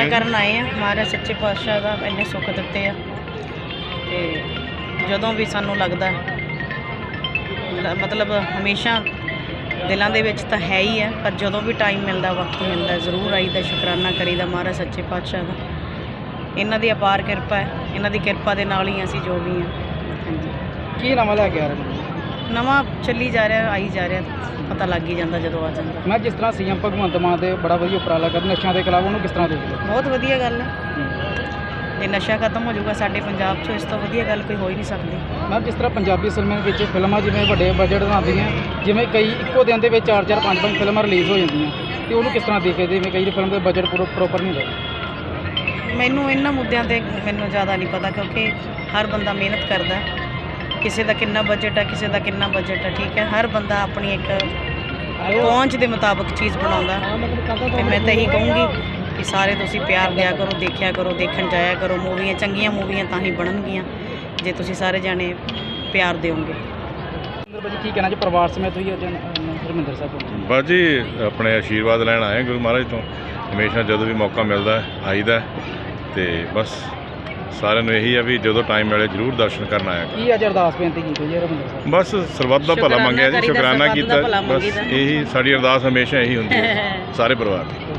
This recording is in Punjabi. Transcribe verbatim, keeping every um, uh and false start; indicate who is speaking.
Speaker 1: ਦਰਸ਼ਨ ਕਰਨ ਆਏ ਆ। ਮਹਾਰਾਜ ਸੱਚੇ ਪਾਤਸ਼ਾਹ ਦਾ ਇੰਨੇ ਸੁੱਖ ਦਿੱਤੇ ਆ ਤੇ ਜਦੋਂ ਵੀ ਸਾਨੂੰ ਲੱਗਦਾ ਮਤਲਬ ਹਮੇਸ਼ਾ ਦਿਲਾਂ ਦੇ ਵਿੱਚ ਤਾਂ ਹੈ ਹੀ ਹੈ, ਪਰ ਜਦੋਂ ਵੀ ਟਾਈਮ ਮਿਲਦਾ ਵਕਤ ਮਿਲਦਾ ਜ਼ਰੂਰ ਆਈਦਾ, ਸ਼ੁਕਰਾਨਾ ਕਰੀਦਾ ਮਹਾਰਾਜ ਸੱਚੇ ਪਾਤਸ਼ਾਹ ਦਾ। ਇਹਨਾਂ ਦੀ ਅਪਾਰ ਕਿਰਪਾ ਹੈ, ਇਹਨਾਂ ਦੀ ਕਿਰਪਾ ਦੇ ਨਾਲ ਹੀ ਅਸੀਂ ਜੋ ਵੀ ਹਾਂ। ਹਾਂਜੀ,
Speaker 2: ਕੀ ਨਵਾਂ ਲੈ ਕੇ ਆ ਰਹੇ
Speaker 1: ਨਵਾਂ ਚੱਲੀ ਜਾ ਰਿਹਾ, ਆਈ ਜਾ ਰਿਹਾ, ਪਤਾ ਲੱਗ ਹੀ ਜਾਂਦਾ ਜਦੋਂ ਆ ਜਾਂਦਾ।
Speaker 2: ਮੈਂ ਜਿਸ ਤਰ੍ਹਾਂ ਸੀਐਮ ਭਗਵੰਤ ਮਾਨ ਦੇ ਬੜਾ ਵਧੀਆ ਉਪਰਾਲਾ ਕਰ ਨਸ਼ਿਆਂ ਦੇ ਖਿਲਾਫ, ਉਹਨੂੰ ਕਿਸ ਤਰ੍ਹਾਂ ਦੇਖਦੇ ਹੋ?
Speaker 1: ਬਹੁਤ ਵਧੀਆ ਗੱਲ ਹੈ। ਜੇ ਨਸ਼ਾ ਖਤਮ ਹੋ ਜਾਊਗਾ ਸਾਡੇ ਪੰਜਾਬ 'ਚੋਂ, ਇਸ ਤੋਂ ਵਧੀਆ ਗੱਲ ਕੋਈ ਹੋ ਹੀ ਨਹੀਂ ਸਕਦੀ।
Speaker 2: ਮੈਂ ਜਿਸ ਤਰ੍ਹਾਂ ਪੰਜਾਬੀ ਫਿਲਮਾਂ ਵਿੱਚ ਫਿਲਮਾਂ ਜਿਵੇਂ ਵੱਡੇ ਬਜਟ ਬਣਾਉਂਦੀਆਂ, ਜਿਵੇਂ ਕਈ ਇੱਕੋ ਦਿਨ ਦੇ ਵਿੱਚ ਚਾਰ ਚਾਰ ਪੰਜ ਪੰਜ ਫਿਲਮਾਂ ਰਿਲੀਜ਼ ਹੋ ਜਾਂਦੀਆਂ, ਤੇ ਉਹਨੂੰ ਕਿਸ ਤਰ੍ਹਾਂ ਦੇਖਦੇ? ਜਿਵੇਂ ਕਈ ਫਿਲਮ ਦਾ ਬਜਟ ਪੂਰਾ ਪ੍ਰੋਪਰ ਨਹੀਂ ਹੁੰਦਾ।
Speaker 1: ਮੈਨੂੰ ਇਹਨਾਂ ਮੁੱਦਿਆਂ 'ਤੇ ਮੈਨੂੰ ਜ਼ਿਆਦਾ ਨਹੀਂ ਪਤਾ, ਕਿਉਂਕਿ ਹਰ ਬੰਦਾ ਮਿਹਨਤ ਕਰਦਾ, ਕਿਸੇ ਦਾ ਕਿੰਨਾ ਬਜਟ ਹੈ, ਕਿਸੇ ਦਾ ਕਿੰਨਾ ਬਜਟ ਹੈ, ਠੀਕ ਹੈ। ਹਰ ਬੰਦਾ ਆਪਣੀ ਇੱਕ ਪਹੁੰਚ ਦੇ ਮੁਤਾਬਕ ਚੀਜ਼ ਬਣਾਉਂਦਾ, ਅਤੇ ਮੈਂ ਤਾਂ ਇਹੀ ਕਹੂੰਗੀ ਕਿ ਸਾਰੇ ਤੁਸੀਂ ਪਿਆਰ ਦਿਆ ਕਰੋ, ਦੇਖਿਆ ਕਰੋ, ਦੇਖਣ ਜਾਇਆ ਕਰੋ ਮੂਵੀਆਂ। ਚੰਗੀਆਂ ਮੂਵੀਆਂ ਤਾਂ ਹੀ ਬਣਨਗੀਆਂ ਜੇ ਤੁਸੀਂ ਸਾਰੇ ਜਾਣੇ ਪਿਆਰ ਦਿਓਗੇ।
Speaker 2: ਕੀ ਕਹਿਣਾ ਜੀ ਪਰਿਵਾਰ ਸਮੇਤ ਹੋਈ ਅੱਜ ਹਰਿਮੰਦਰ ਸਾਹਿਬ ਪਹੁੰਚੇ?
Speaker 3: ਬਸ ਜੀ ਆਪਣੇ ਆਸ਼ੀਰਵਾਦ ਲੈਣ ਆਏ ਗੁਰੂ ਮਹਾਰਾਜ ਤੋਂ। ਹਮੇਸ਼ਾ ਜਦੋਂ ਵੀ ਮੌਕਾ ਮਿਲਦਾ ਆਈਦਾ, ਅਤੇ ਬਸ ਸਾਰਿਆਂ ਨੂੰ ਇਹੀ ਆ ਵੀ ਜਦੋਂ ਟਾਈਮ ਮਿਲੇ ਜ਼ਰੂਰ ਦਰਸ਼ਨ ਕਰਨ ਆਇਆ ਕਰੋ।
Speaker 2: ਕੀ ਅੱਜ ਅਰਦਾਸ ਬੇਨਤੀ ਕੀਤੀ ਜੀ ਹਰਿਮੰਦਰ ਸਾਹਿਬ?
Speaker 3: ਬਸ ਸਰਬੱਤ ਦਾ ਭਲਾ ਮੰਗਿਆ ਜੀ, ਸ਼ੁਕਰਾਨਾ ਕੀਤਾ, ਬਸ ਇਹੀ ਸਾਡੀ ਅਰਦਾਸ ਹਮੇਸ਼ਾ ਇਹੀ ਹੁੰਦੀ ਹੈ ਸਾਰੇ ਪਰਿਵਾਰ ਦੀ।